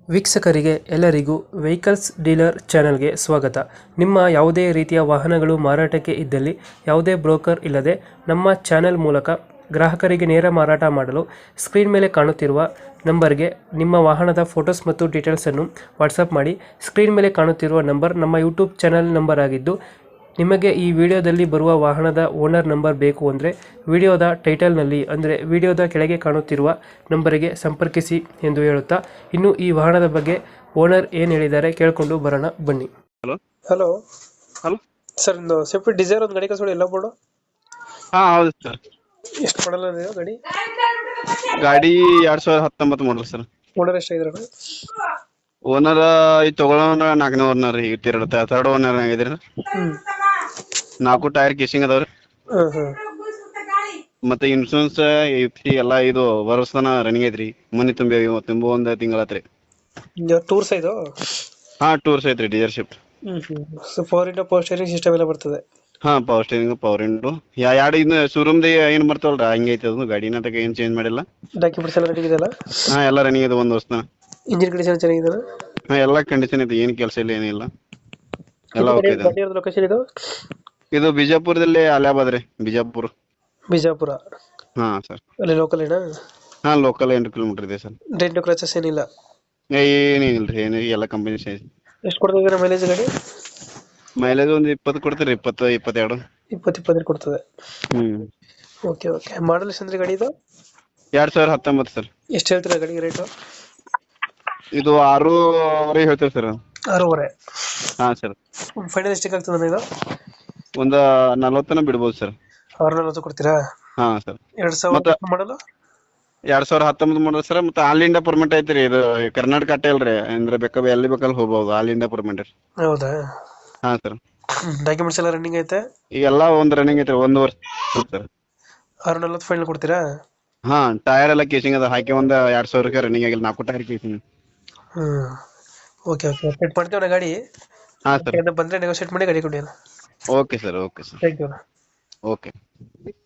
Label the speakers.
Speaker 1: ವೀಕ್ಷಕರಿಗೆ ಎಲ್ಲರಿಗೂ vehicles dealer ಚಾನೆಲ್ಗೆ ಸ್ವಾಗತ. ನಿಮ್ಮ ಯಾವುದೇ ರೀತಿಯ ವಾಹನಗಳು ಮಾರಾಟಕ್ಕೆ ಇದ್ದಲ್ಲಿ ಯಾವುದೇ ಬ್ರೋಕರ್ ಇಲ್ಲದೆ ನಮ್ಮ ಚಾನೆಲ್ ಮೂಲಕ ಗ್ರಾಹಕರಿಗೆ ನೇರ ಮಾರಾಟ ಮಾಡಲು ಸ್ಕ್ರೀನ್ ಮೇಲೆ ಕಾಣುತ್ತಿರುವ ನಂಬರ್ಗೆ ನಿಮ್ಮ ವಾಹನದ ಫೋಟೋಸ್ ಮತ್ತು ಡೀಟೇಲ್ಸನ್ನು ವಾಟ್ಸಪ್ ಮಾಡಿ. ಸ್ಕ್ರೀನ್ ಮೇಲೆ ಕಾಣುತ್ತಿರುವ ನಂಬರ್ ನಮ್ಮ ಯೂಟ್ಯೂಬ್ ಚಾನೆಲ್ ನಂಬರ್ ಆಗಿದ್ದು, ನಿಮಗೆ ಈ ವಿಡಿಯೋದಲ್ಲಿ ಬರುವ ವಾಹನದ ಓನರ್ ನಂಬರ್ ಬೇಕು ಅಂದರೆ ವಿಡಿಯೋದ ಟೈಟಲ್ನಲ್ಲಿ ಅಂದರೆ ವಿಡಿಯೋದ ಕೆಳಗೆ ಕಾಣುತ್ತಿರುವ ನಂಬರಿಗೆ ಸಂಪರ್ಕಿಸಿ ಎಂದು ಹೇಳುತ್ತಾ, ಇನ್ನು ಈ ವಾಹನದ ಬಗ್ಗೆ ಓನರ್ ಏನು ಹೇಳಿದ್ದಾರೆ ಕೇಳಿಕೊಂಡು ಬರೋಣ ಬನ್ನಿ.
Speaker 2: ಹಲೋ
Speaker 1: ಹಲೋ
Speaker 2: ಹಲೋ
Speaker 1: ಸರ್, ಒಂದು ಸ್ವಿಫ್ಟ್ ಡಿಸೈರ್ ಒಂದು ಗಾಡಿ ಕಳ್ಸ್ಕೊಡಿ, ಎಲ್ಲ ಬೋರ್ಡು
Speaker 2: ಹಾ ಹೌದು ಸರ್.
Speaker 1: ಎಷ್ಟು ಮಾಡಲ್ಲ ಇದೆ ಗಾಡಿ?
Speaker 2: ಗಾಡಿ 2019 ಮಾಡಲ್ ಸರ್.
Speaker 1: ಓನರ್ ಎಷ್ಟಾಗಿದ್ದಾರೆ?
Speaker 2: ಓನರ್ ಈ ತಗೊಳ್ಳೋಣ 4ನೇ ಓನರ್, ಈಗ ಥರ್ಡ್ ಓನರ್ ಆಗಿದ್ರಿ.
Speaker 1: ಹ್ಮ್
Speaker 2: 4 ಟೈರ್ ಕೇಸಿಂಗ್ ಅದಾವ್ರಿ.
Speaker 1: ಹಾಂ ಹಾಂ
Speaker 2: ಮತ್ತೆ ಇನ್ಶೂರೆನ್ಸ್ ಎಲ್ಲ ಇದು ವರ್ಷತನ ರನ್ನಿಂಗ್ ಐತ್ರಿ. ಮನಿ ತುಂಬ ಒಂದ್ ತಿಂಗಳಾತ್ರಿ.
Speaker 1: ಟೂರ್ಸ್ ಇದು?
Speaker 2: ಹಾ ಟೂರ್ಸ್ ಐತ್ರಿ, ಡೀಲರ್ಶಿಪ್.
Speaker 1: ಪವರ್ ಇಂಡೋ ಪವರ್ ಸ್ಟೇರಿಂಗ್ ಸಿಸ್ಟಮ್ ಎಲ್ಲ ಬರ್ತದೆ?
Speaker 2: ಹಾ ಪವರ್ ಸ್ಟೇರಿಂಗ್, ಪವರ್ ವಿಂಡೋ, ಎರಡು ಇನ್ನು ಶೋರೂಮ್ ಏನ್ ಬರ್ತವಲ್ರ ಹಂಗೆ ಐತಿ ಅದು. ಗಾಡಿನ ತಗ ಏನ್ ಚೇಂಜ್ ಮಾಡಿಲ್ಲ.
Speaker 1: ಡಾಕ್ಯುಮೆಂಟ್ಸ್ ಎಲ್ಲ ರೆಡಿ ಇದೆಯಲ್ಲ?
Speaker 2: ಹಾ ಎಲ್ಲ ರನ್ನಿಂಗ್ ಇದೆ, 1 ವರ್ಷ.
Speaker 1: ಇಂಜಿನ್ ಕಂಡೀಷನ್ ಚೆನ್ನಾಗಿದೆ?
Speaker 2: ಹಾ ಎಲ್ಲ ಕಂಡೀಷನ್ ಐತಿ, ಏನ್ ಕೆಲಸ ಇಲ್ಲ ಏನಿಲ್ಲ, ಎಲ್ಲ ಓಕೆ ಇದೆ.
Speaker 1: ಗಾಡಿ ಲೊಕೇಶನ್ ಇದು?
Speaker 2: ಇದು ಬಿಜಾಪುರದಲ್ಲಿ ಅಲಿಯಾಬಾದ್ ರೀ, ಬಿಜಾಪುರ.
Speaker 1: ಬಿಜಾಪುರ
Speaker 2: ಹಾ ಸರ್.
Speaker 1: ಅಲ್ಲಿ ಲೋಕಲ್ ಏನಾ?
Speaker 2: ಹಾ ಲೋಕಲ್ 8 ಕಿಲೋಮೀಟರ್ ಇದೆ ಸರ್.
Speaker 1: ಡೆಂಟು ಕ್ರಾಚಸ್ ಏನಿಲ್ಲ?
Speaker 2: ಏನೇನಿಲ್ರಿ, ಎಲ್ಲ ಕಂಪನಿ ಸೈಜ್.
Speaker 1: ಎಷ್ಟು ಕೊಡ್ತದೆ ಮೈಲೇಜ್ ಗಾಡಿ?
Speaker 2: ಮೈಲೇಜ್ ಒಂದು 20 ಕೊಡ್ತೀರಿ, 20 22.
Speaker 1: 20 ಕೊಡ್ತದೆ.
Speaker 2: ಹ್ಮ್
Speaker 1: ಓಕೆ ಓಕೆ. ಮಾಡಲ್ ಎಷ್ಟು ಅಂದ್ರೆ ಗಾಡಿ ಇದು?
Speaker 2: 2019 ಸರ್.
Speaker 1: ಎಷ್ಟು ಹೇಳ್ತೀರಾ ಗಾಡಿಗೆ ರೇಟು?
Speaker 2: ಇದು 6.5 ಹೇಳ್ತೇವೆ ಸರ್.
Speaker 1: 6.5?
Speaker 2: ಹಾ ಸರ್.
Speaker 1: ಫೈನಲ್ ಎಷ್ಟಕ್ಕೆ ಆಗ್ತದೆ ಇದು?
Speaker 2: ಒಂದ 40 ಬಿಡ್ಬೋದು ಸರ್.
Speaker 1: 640 ಕೊಡ್ತೀರಾ?
Speaker 2: ಹಾ ಸರ್.
Speaker 1: 2000 ಮಾಡಲು?
Speaker 2: 2019 model sir. ಮತ್ತೆ ಆಲ್ ಇಂಡಿಯಾ ಪರ್ಮಿಟ್ ಐತ್ರಿ, ಇದು ಕರ್ನಾಟಕ ಅಟ್ಟೆ ಅಲ್ರಿ, ಅಂದ್ರೆ ಎಲ್ಲಿ ಬೇಕಲ್ಲಿ ಹೋಗ್ಬೋದು, ಆಲ್ ಇಂಡಿಯಾ ಪರ್ಮಿಟ್.
Speaker 1: ಹೌದಾ?
Speaker 2: ಹಾ ಸರ್.
Speaker 1: ಡಾಕ್ಯುಮೆಂಟ್ಸ್ ಎಲ್ಲ ರನ್ನಿಂಗ್ ಐತೆ?
Speaker 2: ಈಗೆಲ್ಲ ಒಂದ್ ರನ್ನಿಂಗ್ ಐತ್ರಿ, 1 ವರ್ಷ ಸರ್.
Speaker 1: 640 ಫೈನಲ್ ಕೊಡ್ತೀರಾ?
Speaker 2: ಹಾ ಟೈರ್ ಎಲ್ಲ ಕೇಸಿಂಗ್ ಅದ ಹಾಕಿ, ಒಂದ್ 2000 ರನ್ನಿಂಗ್ ಆಗಿಲ್ಲ, 4 tyre casing.
Speaker 1: Okay okay. Set ಮಾಡ್ತೀವಿ ನಾ ಗಾಡಿ.
Speaker 2: ಹಾ ಸರ್.
Speaker 1: ಬಂದ್ರೆ ನೆಗೋಶಿಯೇಟ್ ಮಾಡಿ ಗಾಡಿ ಕೊಡಿ.
Speaker 2: Okay sir, okay sir,
Speaker 1: thank you.
Speaker 2: Okay.